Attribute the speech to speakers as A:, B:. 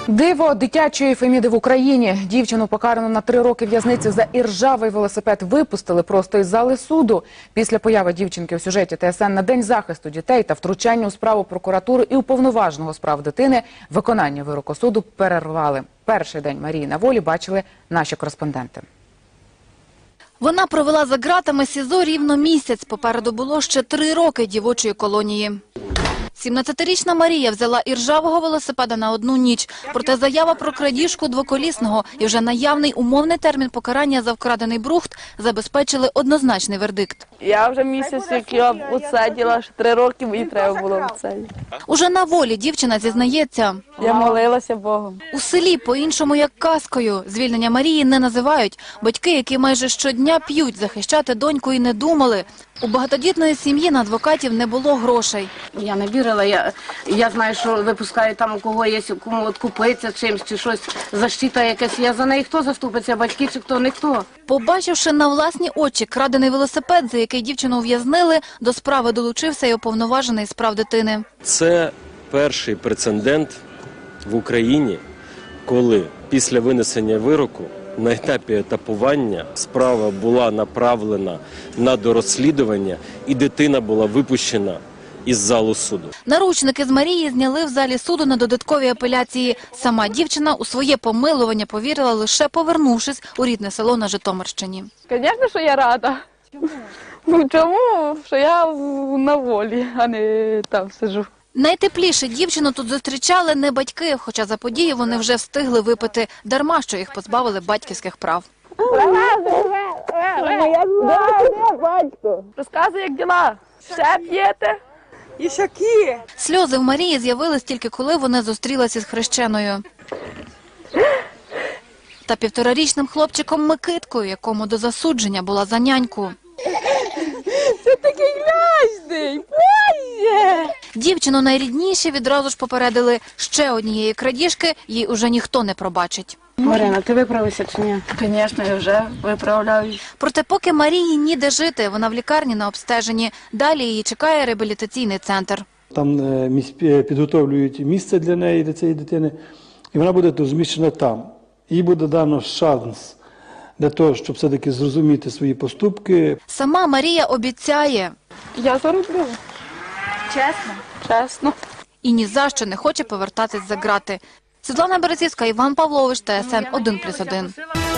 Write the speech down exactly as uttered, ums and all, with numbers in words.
A: Диво дитячої Феміди в Україні. Дівчину, покарану на три роки в'язниці за іржавий велосипед, випустили просто із зали суду. Після появи дівчинки у сюжеті ТСН на День захисту дітей та втручання у справу прокуратури і уповноваженого з прав дитини виконання вироку суду перервали. Перший день Марії на волі бачили наші кореспонденти.
B: Вона провела за ґратами СІЗО рівно місяць. Попереду було ще три роки дівочої колонії. сімнадцятирічна Марія взяла іржавого велосипеда на одну ніч. Проте заява про крадіжку двоколісного і вже наявний умовний термін покарання за вкрадений брухт забезпечили однозначний вердикт.
C: Я вже місяць, як я відсиділа, що три роки мені треба було відсидіти.
B: Уже на волі дівчина зізнається.
C: Я молилася Богом.
B: У селі по-іншому як казкою. Звільнення Марії не називають. Батьки, які майже щодня п'ють, захищати доньку і не думали. У багатодітної сім'ї на адвокатів не було грошей.
D: Я не вірила, я, я знаю, що випускають там, у кого є, кому от купиться чимось чи щось, защита якась. Я за неї хто заступиться, батьки чи хто, ніхто.
B: Побачивши на власні очі крадений велосипед, за який дівчину ув'язнили, до справи долучився й уповноважений з прав дитини.
E: Це перший прецедент в Україні, коли після винесення вироку на етапі етапування справа була направлена на дорозслідування і дитина була випущена із залу суду.
B: Наручники з Марії зняли в залі суду на додатковій апеляції. Сама дівчина у своє помилування повірила, лише повернувшись у рідне село на Житомирщині.
C: Звісно, що я рада. Чому? Ну чому? Що я на волі, а не там сиджу.
B: Найтепліше дівчину тут зустрічали не батьки, хоча за події вони вже встигли випити. Дарма, що їх позбавили батьківських прав.
C: Батько, розказуй, як діла. Ще п'єте?
F: І шаки.
B: Сльози в Марії з'явились тільки коли вони зустрілися з хрещеною. Та півторарічним хлопчиком Микиткою, якому до засудження була за няньку.
F: Це такий грязний, боже!
B: Дівчину найрідніші відразу ж попередили, ще однієї крадіжки їй уже ніхто не пробачить.
D: Марина, ти виправишся чи ні?
C: Звісно, я вже виправляю.
B: Проте поки Марії ніде жити, вона в лікарні на обстеженні. Далі її чекає реабілітаційний центр.
G: Там підготовлюють місце для неї, для цієї дитини, і вона буде розміщена там. Їй буде дано шанс для того, щоб все-таки зрозуміти свої поступки.
B: Сама Марія обіцяє.
C: Я зароблю.
B: Чесно?
C: Чесно.
B: І ні за що не хоче повертатись за ґрати. Світлана Березівська, Іван Павлович, ТСН один плюс один.